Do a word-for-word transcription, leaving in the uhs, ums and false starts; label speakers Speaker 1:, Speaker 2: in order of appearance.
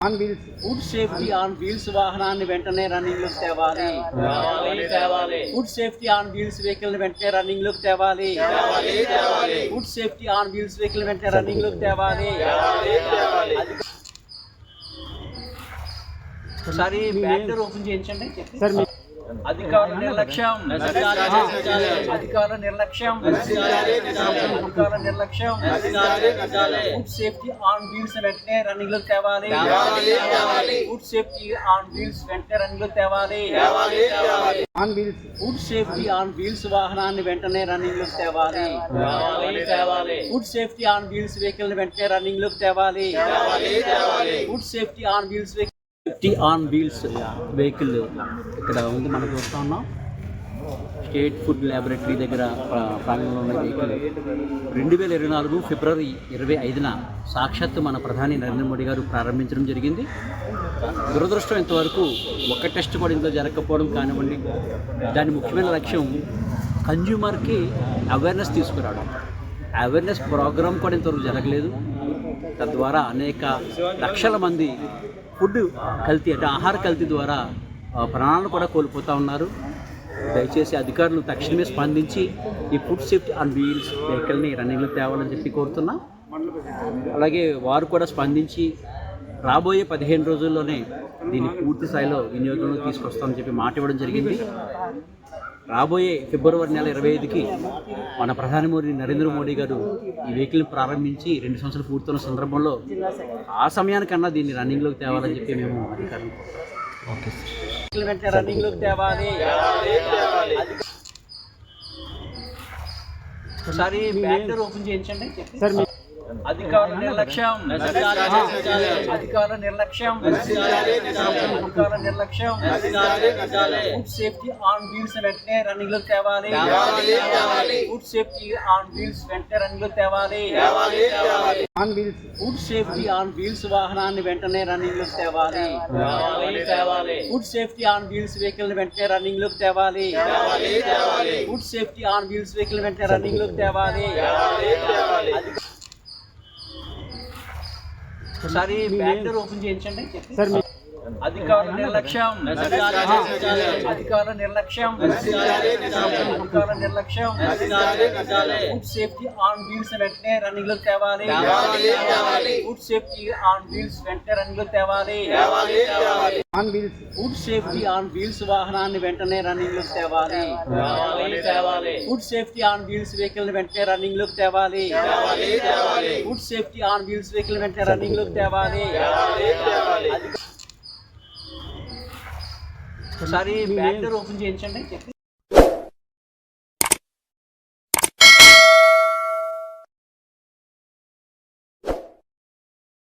Speaker 1: On wheels food safety on wheels వాహనాన్ని వెంటనే running లోకి తేవాలి food safety on wheels vehicle వెంటనే రన్నింగ్ లోకి తేవాలి food safety on wheels vehicle వెంటనే రన్నింగ్ లోకి తేవాలి ఒకసారి బ్యాక్ డోర్ ఓపెన్ చేయించండి సార్. అధికారుల నిర్లక్ష్యం అధికారుల నిర్లక్ష్యం అధికారుల నిర్లక్ష్యం ఫుడ్ సేఫ్టీ ఆన్ వీల్స్ వెంటనే రన్నింగ్ లోకి తేవాలి ఫుడ్ సేఫ్టీ ఆన్ వీల్స్ వెంటనే రన్నింగ్ లోకి తేవాలి on wheels food safety on wheels వాహనాన్ని వెంటనే రన్నింగ్ లోకి తేవాలి food safety on wheels vehicle వెంటనే రన్నింగ్ లోకి తేవాలి food safety on wheels safety on wheels vehicle ఇక్కడ ఉంది మనం చూస్తూ ఉన్నాం. స్టేట్ ఫుడ్ ల్యాబొరేటరీ దగ్గర ప్రాంగణంలో ఉన్న వెహికల్ రెండు వేల ఇరవై నాలుగు ఫిబ్రవరి ఇరవై ఐదున సాక్షాత్తు మన ప్రధాని నరేంద్ర మోడీ గారు ప్రారంభించడం జరిగింది. దురదృష్టం ఇంతవరకు ఒక్క టెస్ట్ కూడా ఇంట్లో జరగకపోవడం కానివ్వండి. దాని ముఖ్యమైన లక్ష్యం కన్జ్యూమర్కి అవేర్నెస్ తీసుకురావడం. అవేర్నెస్ ప్రోగ్రామ్ కూడా ఇంతవరకు జరగలేదు. తద్వారా అనేక లక్షల మంది ఫుడ్ కల్తీ అంటే ఆహార కల్తీ ద్వారా ప్రాణాలను కూడా కోల్పోతూ ఉన్నారు. దయచేసి అధికారులు తక్షణమే స్పందించి ఈ ఫుడ్ సేఫ్టీ ఆన్ వీల్స్ వెహికల్ని రన్నింగ్లో తేవాలని చెప్పి కోరుతున్నాం. అలాగే వారు కూడా స్పందించి రాబోయే పదిహేను రోజుల్లోనే దీన్ని పూర్తి స్థాయిలో వినియోగంలో తీసుకొస్తామని చెప్పి మాట ఇవ్వడం జరిగింది. రాబోయే ఫిబ్రవరి నెల ఇరవై ఐదుకి మన ప్రధానమంత్రి నరేంద్ర మోడీ గారు ఈ వెహికల్ని ప్రారంభించి రెండు సంవత్సరాలు పూర్తయిన సందర్భంలో ఆ సమయానికన్నా దీన్ని రన్నింగ్లోకి తేవాలని చెప్పి మేము అధికారులు ఓకే సార్ రన్నింగ్లోకి తేవాలి. ఒకసారి బ్యాక్ డోర్ ఓపెన్ చేయించండి సార్. అధికారుల నిర్లక్ష్యం అధికారుల నిర్లక్ష్యం అధికారుల నిర్లక్ష్యం ఫుడ్ సేఫ్టీ ఆన్ వీల్స్ వెంటనే రన్నింగ్ లోకి తేవాలి ఫుడ్ సేఫ్టీ ఆన్ వీల్స్ వెంటనే రన్నింగ్ లోకి తేవాలి on wheels food safety on wheels వాహనాన్ని వెంటనే రన్నింగ్ లోకి తేవాలి food safety on wheels vehicle వెంటనే రన్నింగ్ లోకి తేవాలి food safety on wheels vehicle వెంటనే రన్నింగ్ లోకి తేవాలి ఒకసారి బ్యాక్ డోర్ ఓపెన్ చేయించండి సార్. అధికారుల నిర్లక్ష్యం అధికారుల నిర్లక్ష్యం అధికారుల నిర్లక్ష్యం ఫుడ్ సేఫ్టీ ఆన్ వీల్స్ వెంటనే రన్నింగ్ లోకి తేవాలి ఫుడ్ సేఫ్టీ ఆన్ వీల్స్ వెంటనే రన్నింగ్ లోకి తేవాలి on wheels food safety on wheels వాహనాన్ని వెంటనే రన్నింగ్ లోకి తేవాలి food safety on wheels vehicle వెంటనే రన్నింగ్ లోకి తేవాలి food safety on wheels vehicle వెంటనే రన్నింగ్ లోకి తేవాలి ఒకసారి బ్యాక్ డోర్ ఓపెన్ చేయించండి.